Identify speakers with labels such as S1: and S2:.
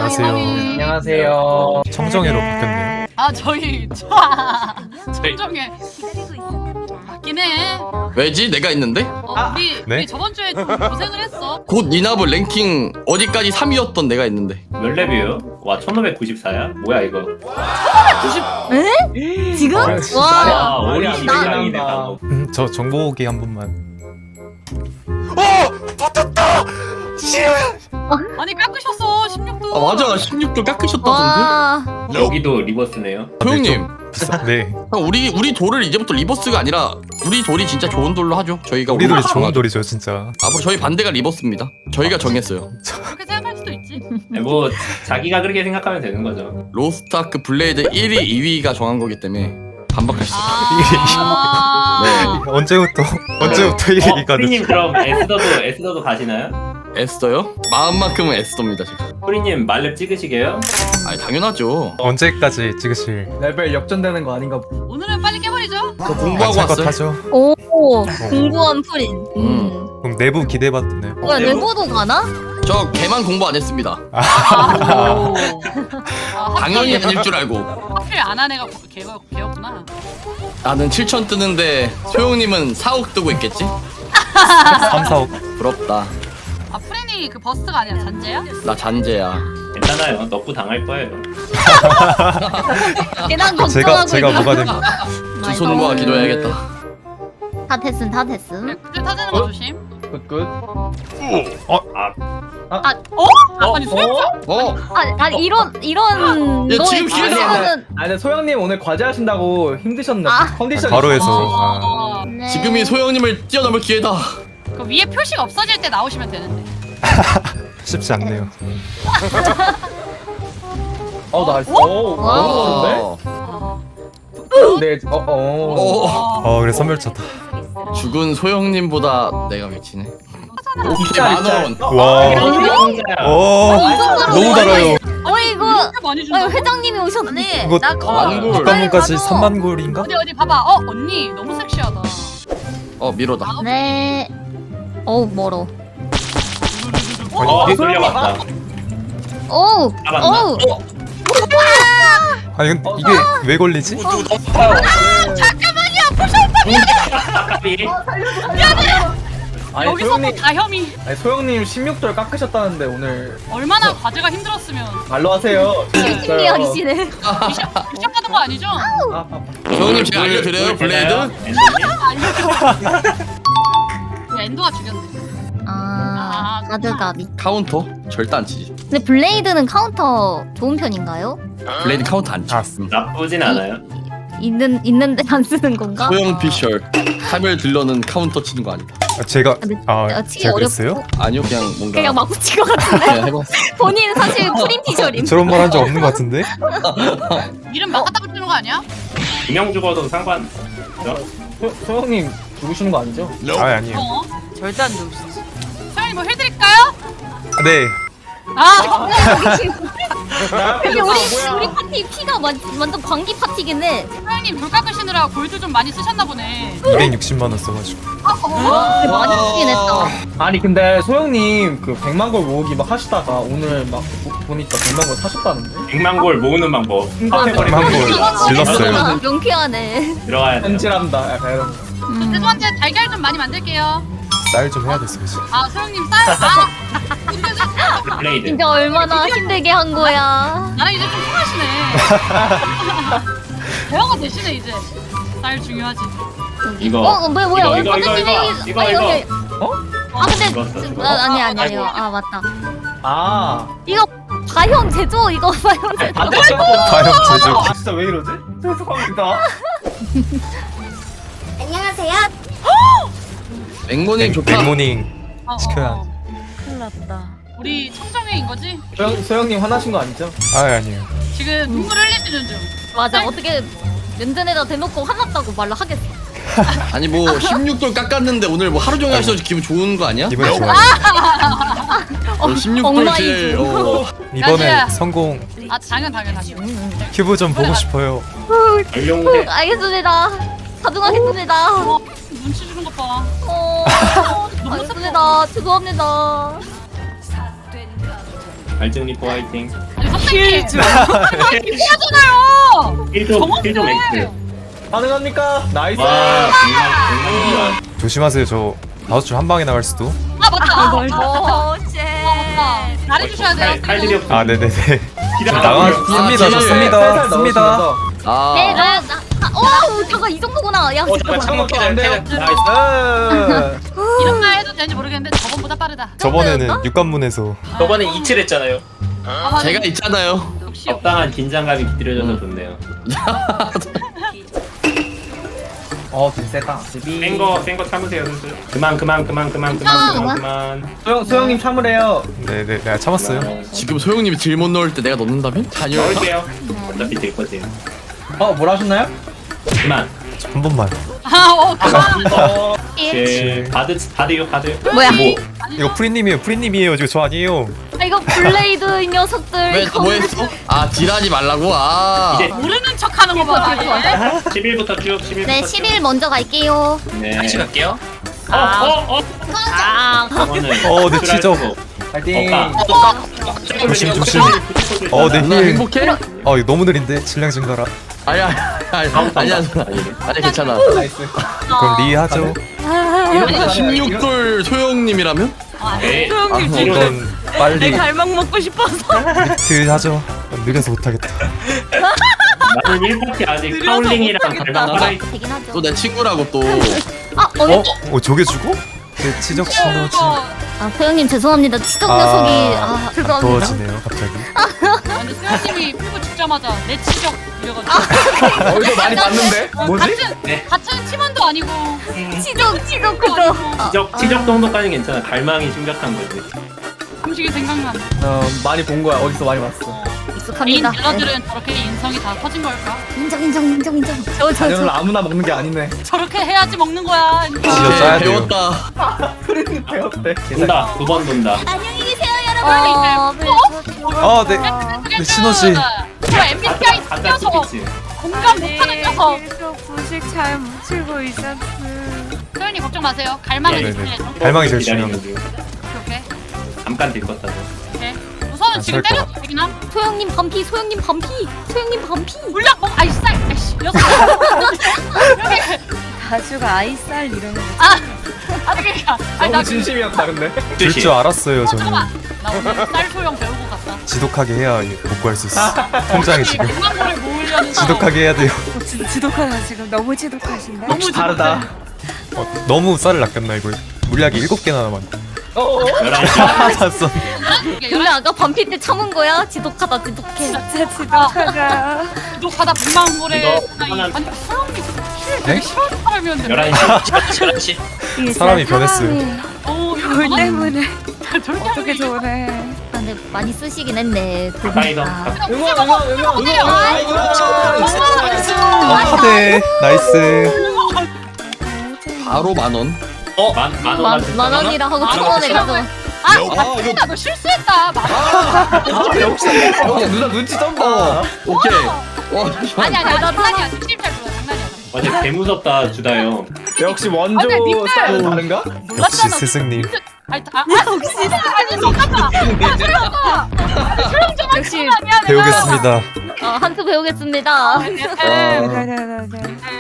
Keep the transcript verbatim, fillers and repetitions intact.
S1: 안녕하세요.
S2: 안녕하세요.
S1: 청정회로 바뀌었네요.
S3: 아 저희 청정에 맞긴 해.
S4: 왜지? 내가 있는데?
S3: 어,
S2: 아,
S3: 우리,
S1: 네?
S3: 우리 저번 주에 좀 고생을 했어.
S4: 곧 니나브 랭킹 어디까지 삼 위였던 내가 있는데.
S5: 몇 렙이에요? 와 천오백구십사야? 뭐야 이거?
S6: 지금?
S2: 아,
S6: 와.
S5: 와
S2: 말이
S5: 오리
S2: 안
S5: 십일강이네
S2: 된다.
S5: 방금.
S1: 음, 저 정보기 한 번만.
S3: 아니 깎으셨어 십육 도.
S4: 아 맞아 십육 도 깎으셨다던데?
S6: 와.
S5: 여기도 리버스네요.
S4: 소영님
S1: 네.
S4: 형, 우리 우리 돌을 이제부터 리버스가 아니라 우리 돌이 진짜 좋은 돌로 하죠. 저희가
S1: 우리 돌이
S4: 오늘
S1: 좋은
S4: 정하죠.
S1: 돌이죠 진짜.
S4: 앞으로 저희 반대가 리버스입니다. 저희가 정했어요.
S3: 그렇게 생각할 수도 있지.
S5: 뭐 자기가 그렇게 생각하면 되는 거죠.
S4: 로스트아크 블레이드 일 위, 이 위가 정한 거기 때문에 반박할 수 없어요.
S3: 아.
S4: 네.
S1: 언제부터 언제부터
S5: 어,
S1: 이래기가
S5: 프리님
S1: 됐죠?
S5: 그럼 에스더도 에스더도 가시나요?
S4: 애써요? 마음만큼은 애써입니다 지금.
S5: 프리님 말렙 찍으시게요?
S4: 아니 당연하죠.
S1: 언제까지 찍으실?
S2: 레벨 역전되는 거 아닌가?
S3: 오늘은 빨리 깨버리죠.
S4: 저 공부하고
S1: 것
S4: 왔어요.
S1: 하죠.
S6: 오. 공부한 프린. 음.
S1: 그럼 내부 기대받네.
S6: 뭐야 내고도 가나?
S4: 저 개만 공부 안 했습니다.
S3: 아, 아,
S4: 당연히
S3: 하필,
S4: 아닐 줄 알고.
S3: 하필 안 한 애가 걔가 걔였구나.
S4: 나는 칠천 뜨는데 소영님은 사억 뜨고 있겠지?
S1: 삼, 사억.
S4: 부럽다.
S3: 아 프렌이 그 버스가 아니라 잔재야?
S4: 나 잔재야.
S5: 괜찮아요. 너프 당할 거예요.
S6: 계단 걱정하고
S1: 제가 제가
S6: 있다.
S1: 뭐가 됩니다.
S4: 두 손 모아 기도해야겠다.
S6: 다 됐음 다 됐음.
S3: 그래, 그때 타자는 거 조심.
S2: 굿굿.
S3: 아, 어? 아니 소영
S4: 어?
S6: 아, 아 이런 이런
S4: 야,
S6: 너
S4: 지금 기회다.
S6: 있으면은
S2: 아 근데 소영님 오늘 과제 하신다고 힘드셨네.
S6: 아.
S2: 컨디션
S1: 바로
S2: 있어.
S1: 해서. 아,
S3: 아,
S6: 네.
S4: 지금이 소영님을 뛰어넘을 기회다.
S3: 그 위에 표시가 없어질 때 나오시면 되는데.
S1: 쉽지 않네요.
S2: 어 나이스. 오
S6: 와.
S2: 너무 좋은데?
S4: 어.
S2: 네. 어 어.
S4: 어.
S1: 어 그래 선멸 쳤다.
S4: 죽은 소영님보다 내가 미치네. 오케이
S2: 진짜,
S4: 만원.
S2: 진짜.
S1: 와.
S5: 혼자야.
S1: 오. 너무 달아요.
S6: 어이구.
S3: 진짜 많이 준다.
S6: 어, 회장님이 오셨네.
S1: 이거
S6: 나 그거
S4: 만골.
S1: 국가문까지
S6: 나도.
S1: 삼만 골인가?
S3: 어디 어디 봐봐. 어 언니 너무 섹시하다.
S4: 어 미로다.
S6: 네. 어우 멀어.
S5: 어 돌려봤다.
S6: 어우.
S5: 잡았나?
S6: 어우.
S1: 아니 근데 이게 왜 걸리지?
S5: 아까비.
S2: 아니
S3: 여기서
S2: 소영님.
S3: 또 다혐이.
S2: 아니 소영님 십육 돌 깎으셨다는데 오늘
S3: 얼마나 과제가 힘들었으면
S2: 말로 하세요.
S6: 열심히 하시네.
S3: 미션 미션 받은 거 아니죠?
S2: 아, 아,
S4: 소영님 제가 알려드려요 블레이드.
S5: 엔드님?
S3: 그 엔도가 죽였네.
S6: 아. 가드가비.
S4: 카운터 절대 안 치지.
S6: 근데 블레이드는 카운터 좋은 편인가요?
S4: 블레이드 카운터 안 치.
S1: 아,
S5: 나쁘진 않아요.
S6: 있는 있는데 안 쓰는 건가?
S4: 소영 피셜. 카멜 딜러는 카운터 치는 거 아니다.
S1: 아, 제가
S6: 근데
S1: 아
S6: 어, 치기
S1: 제가
S6: 어렵고
S1: 그랬어요?
S4: 아니요 그냥 뭔가
S6: 그냥 막 붙인 것 같은데
S4: 그냥 해봤어.
S6: 본인은 사실 프린 피셜임.
S1: 저런 말 한 적 없는 것 같은데?
S3: 이름 막 갖다 붙이는 거 아니야?
S5: 두명 죽어도 상관.
S2: 소, 소영님 죽으시는 거 아니죠?
S1: 아 아니에요.
S3: 어? 절대 안 죽으시지. 소연이 뭐 해드릴까요?
S1: 아, 네.
S3: 아
S6: 근데 우리 우리 파티 피가 완, 완전 광기 파티긴 해.
S3: 소연님 돌 깎으시느라 골드 좀 많이 쓰셨나 보네.
S1: 이백육십만 원 써가지고.
S6: 근데 많이 쓰긴 했다.
S2: 아니 근데 소영님 그 백만 골 모으기 막 하시다가 오늘 막 보- 보니까 백만 골 사셨다는데?
S5: 백만 골 모으는 방법. 카테고리
S1: 백만 골 질렀어요.
S6: 아, 명쾌하네.
S5: 들어가야 돼.
S2: 현질한다 약간 이런 거.
S6: 음.
S3: 죄송한데 달걀 좀 많이 만들게요.
S1: 쌀 좀 해야 됐어 이제.
S3: 아 소영님 쌀? 아
S5: 블레이드.
S6: 진짜 얼마나 힘들게 한 거야.
S3: 나랑 이제 좀 통하시네. 대화가 되시네 이제. 쌀 중요하지.
S5: 이거.
S6: 어 뭐야 뭐야
S5: 이거,
S6: 왜
S5: 이거,
S6: 반대쪽에
S5: 이거,
S6: 여기-
S5: 이거,
S6: 아,
S5: 이거.
S6: 여기-
S2: 어?
S6: 아 근데
S5: 죽었어,
S6: 지-
S5: 죽었어.
S6: 아, 아니 아니 아니요. 아 맞다.
S2: 아.
S6: 이거 과형 제조 이거 과형 제조.
S2: 반대쪽.
S1: 과연 제조.
S2: 아 진짜 왜 이러지? 죄송합니다.
S6: 안녕하세요.
S4: 맹모님 좋다.
S1: 백모닝
S3: 어, 어,
S1: 시켜야.
S3: 어.
S6: 큰일 났다.
S3: 우리 청정회인 거지?
S2: 소영 소영님 화나신 거 아니죠?
S1: 아 아니에요.
S3: 지금 눈물 흘리시는 중.
S6: 맞아 어떻게 면전에다 대놓고 화났다고 말로 하겠어.
S4: 아니 뭐 십육 돌 깎았는데 오늘 뭐 하루 종일 하셔서 기분 좋은 거 아니야?
S1: 이번에 좋아요.
S4: 어, 십육 돌
S6: 엉망이지.
S4: 제일 어,
S1: 이번에
S3: 야지야.
S1: 성공.
S3: 아 당연 당연하죠.
S1: 큐브 좀 보고 싶어요.
S5: 전용대.
S6: 알겠습니다. 가중하겠습니다.
S3: 어, 눈치 주는 것 봐.
S6: 어, 알겠습니다. 죄송합니다.
S5: 알증 리포 화이팅.
S3: 아니 선생님 하잖아요.
S5: 힐좀힐좀 엑스.
S2: 가능합니까? 나이스.
S5: 와 정말 정말
S1: 조심하세요. 저 다섯 줄 한 방에 나갈 수도.
S3: 아 맞다.
S6: 오,
S3: 아,
S6: 쉣.
S3: 맞다. 잘해주셔야 돼요.
S5: 칼질이 없어.
S1: 아 네네네.
S5: 기다려.
S1: 나갔습니다.
S4: 아,
S1: 좋습니다.
S2: 살살
S1: 씁니다.
S2: 넣어주면서.
S4: 아
S6: 네, 나, 나, 아, 오, 잠깐 이 정도구나. 야,
S5: 어 잠깐 창문
S2: 안
S5: 깨져
S2: 돼요.
S5: 깨져.
S2: 나이스.
S3: 이런 말 해도 되는지 모르겠는데 저번보다 빠르다.
S1: 저번에는 육관문에서
S7: 저번에 이칠 했잖아요.
S3: 아, 맞아.
S4: 제가 있잖아요.
S3: 역시
S5: 적당한 긴장감이 깃들여져서 좋네요.
S2: 어, 되게 세다.
S5: 센거 센 거 참으세요 슬슬. 그만 그만 그만 그만 그만 그만 그만.
S2: 소영 소영님 참으래요.
S1: 네네 내가 참았어요.
S4: 지금 소영님이 딜 못 넣을 때 내가 넣는다면? 잔열.
S5: 넣을게요. 어차피 될 거지.
S2: 어, 뭘 하셨나요?
S5: 그만.
S1: 한 번만.
S3: 아, 어, 그만.
S2: 어,
S5: 예. 바드 바드요 바드.
S6: 뭐야?
S5: 뭐
S1: 이거 프리님이에요. 프리님이에요. 지금 저 아니에요.
S6: 아, 이거 블레이드 이 녀석들.
S4: 왜
S6: 이거
S4: 뭐 했어? 아 딜하지 말라고? 아
S5: 이제
S3: 모르는 척하는 거 봐. 얘.
S5: 십일부터 쭉 십일부터
S6: 네, 십일 먼저 갈게요.
S5: 네.
S7: 같이 갈게요.
S5: 어어어.
S6: 아,
S1: 어, 네, 지적.
S2: 파이팅.
S5: 없다.
S1: 조심, 조심. 어, 네,
S4: 누나
S1: 힐.
S4: 행복해?
S1: 어, 이거 너무 느린데? 질량 증가라.
S4: 아니야 아니야 아니야 누나. 아니 괜찮아.
S2: 나이스.
S1: 그럼 리 하죠.
S2: 이런
S4: 십육 돌 소영님이라면?
S5: 네.
S4: 아,
S1: 이건 빨리
S6: 갈망 먹고 싶어서.
S1: 리트 하죠. 느려서 못하겠다.
S5: 나는 일 파티 아직 카울링이랑 갈망 살아있어.
S6: 되긴 하죠.
S4: 또 내 친구라고 또.
S6: 아,
S1: 어?
S6: 어디?
S1: 어, 저게 주고? 네, 치적 신호지.
S6: 아, 소영님 죄송합니다. 치적
S1: 아,
S6: 녀석이. 아, 죄송합니다.
S1: 더워지네요, 갑자기.
S3: 근데 수현님이 풀고 죽자마자 내 치적 이래가지고.
S2: 어디서 많이 봤는데? 뭐지?
S3: 같은 같은 팀원도 아니고.
S6: 치적, 치적 그거.
S5: 지적 지적 정도까지 괜찮아. 갈망이 심각한 거지.
S3: 음식이 생각나.
S2: 어, 많이 본 거야. 어디서 많이 봤어.
S3: 개인
S6: 익숙합니다.
S3: 딜러들은 저렇게 인성이 다 커진 걸까?
S6: 인정, 인정, 인정, 인정. 저, 저,
S2: 자녀를
S6: 저.
S2: 아무나 먹는 게 아니네.
S3: 저렇게 해야지 먹는 거야.
S1: 진짜 짜야 돼요.
S4: 배웠다.
S2: 프리님 배웠대.
S5: 돈다 두 번 돈다.
S6: 안녕히 계세요,
S3: 어,
S6: 여러분.
S1: 아, 네. 네, 신호지.
S3: 저 엠비티아이
S5: 가짜
S3: 녀석
S5: 스피치.
S3: 공감 못하는 녀석.
S8: 계속 부식 잘 묻히고 있었어.
S3: 소연이 걱정 마세요. 갈망은
S1: 네,
S3: 있을
S1: 네.
S3: 예정.
S1: 갈망이 제일
S5: 기다리는
S1: 중요한 거.
S5: 중.
S3: 오케이
S5: 잠깐 딜 껐다.
S3: 오케이. 우선은
S1: 안
S3: 지금
S1: 살 것
S3: 때려도 되긴 함.
S6: 소영님 반피, 소영님 반피, 소영님 반피.
S3: 물약 먹. 아이 쌀. 아이씨 녀석.
S8: 가주가 아이쌀 이런 거.
S3: 아, 아니 그러니까. 아니 나
S2: 너무 진심이었다 근데.
S1: 줄 줄 알았어요,
S3: 어,
S1: 저는.
S3: 잠깐만. 나 오늘 쌀 소형 배우고 갔다.
S1: 지독하게 해야 복구할 수 있어. 통장에 지금.
S3: 백만 불을 모으려는
S1: 지독하게 해야 돼요.
S8: 지, 지독하다 지금 너무 지독하신다.
S2: 역시 다르다.
S1: 어, 너무 쌀을 낚였나, 이거. 물약이 일곱 개나 남았네.
S2: 어,
S5: 열한 시.
S1: 다 썼네.
S6: 근데 아까 반피 때 참은 거야? 지독하다, 지독해.
S8: 진짜 지독하다.
S3: 구독하다 백만 불에.
S5: 이거
S3: 아니
S5: 하나-
S3: 아니 소영이 힐
S1: 네?
S3: 되게 싫어하는 사람이었는데.
S5: 열한 시.
S7: 열한 시.
S8: 이게
S1: 사람이
S8: 진짜
S1: 변했어요.
S8: 사람이
S3: 어 이거
S8: 돌
S3: 전화-
S8: 때문에
S3: 저렇게
S8: 어떻게
S3: 하는 게
S8: 저래.
S6: 아, 근데 많이 쓰시긴 했네. 두 분
S5: 가이더.
S6: 다.
S2: 응원 응원 응원 응원. 아이고.
S1: 어, 하대. 나이스.
S4: 바로 만 원.
S5: 어? 만, 만 원.
S6: 만, 만 원이라 하고 천 원에 가서.
S3: 아,
S4: 아 이거.
S3: 야, 너 실수했다. 막.
S2: 아, 역시 역시 누나 눈치 쩐다.
S4: 어 오케이. 와 잠시만.
S3: 아니 아니 아니 장난이야. 진심 잘 몰라 장난이야.
S5: 어제 개 무섭다 주다요.
S2: 역시 원조
S3: 아니, 님들.
S2: 스타일은 다른가?
S1: 역시
S3: 몰랐잖아.
S1: 스승님.
S3: 아니 아, 아 역시 아니 잠깐만.
S8: 역시
S3: 아니야 내가.
S1: 배우겠습니다.
S6: 어, 한투 배우겠습니다.
S3: 네, 네,
S8: 네네네네.
S3: 네.